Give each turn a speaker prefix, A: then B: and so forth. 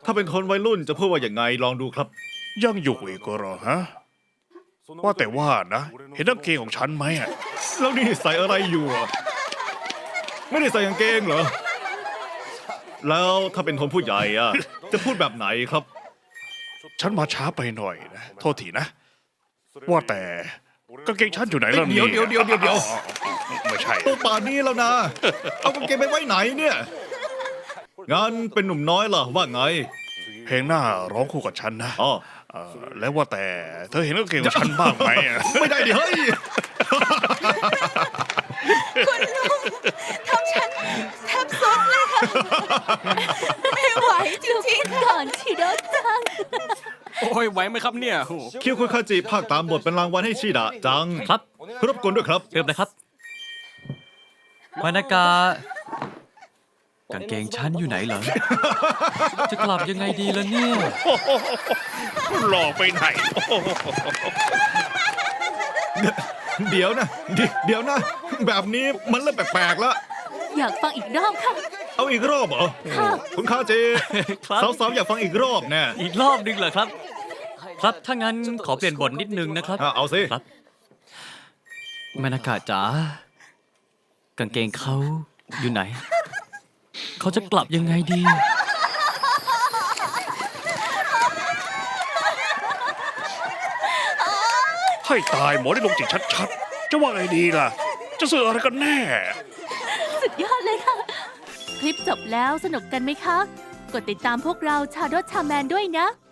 A: ถ้าเป็นคนวัยรุ่นจะพูดว่าอย่างไงลองดูครับ
B: ยังอยู่อีกเหรอฮะ ว่าแต่ว่านะ เห็นกางเกงของฉันไหมอะ
A: แล้วนี่ใส่อะไรอยู่อะไม่ได้ใส่กางเกงเหรอ แล้วถ้าเป็นคนผู้ใหญ่อะจะพูดแบบไหนครับ
B: ฉันมาช้าไปหน่อยนะ โทษทีนะ ว่าแต่กางเกงฉันอยู่ไหนล่ะ
A: เดี๋
B: เนี่ย
A: ยว
B: ไม่ใช่
A: ตัวป่านนี้แล้วนะ เอากางเกงไปไว้ไหนเนี่ย งั้นเป็นหนุ่มน้อยล่ะว่าไง
B: เพลงหน้าร้องคู่กับฉันนะ
A: อ๋อ
B: แล้วว่าแต่เธอเห็นกางเกงของฉันบ้างไหมอะ
A: ไม่ได้ดิเฮ้ย
C: ทำฉันแทบสุดเลยค่ะ ไม่ไหวจริงๆก่อนชิโดจัง
D: โอ้ยไหวไหมครับเนี่ยโอ้โห
A: คิวคุยคาจิภาคตามบทเป็นรางวัลให้ชิดะจัง
E: ครับ
A: รบกวนด้วยครับ
E: เริ่มเลยครับมานากา กางเกงชั้นอยู่ไหนเหรอ จะกลับยังไงดีล่ะเนี่ย
B: หลอกไปไหน
A: เดี๋ยวนะ เดี๋ยวนะ แบบนี้มันเริ่มแปลกๆแล้ว
C: อยากฟังอีกรอบค่ะ
A: เอาอีกรอบเหรอ
C: ค่ะ
A: คุณคาจิ
E: ครับ
A: สาวๆอยากฟังอีกรอบแน่
E: อีกรอบนึงเหรอครับ ครับ ถ้างั้นขอเปลี่ยนบทนิดนึงนะครับ
A: เอาสิ
E: ครับมานากาจ๋ากางเกงเขาอยู่ไหน เขาจะกลับยังไงดี
B: ให้ตายหมอได้ลงจิตชัดๆ จะว่าไงดีล่ะ จะสื่ออะไรกันแน่
C: สุดยอดเลยค่ะ คลิปจบแล้วสนุกกันไหมคะ กดติดตามพวกเราชาโดชาแมนด้วยนะ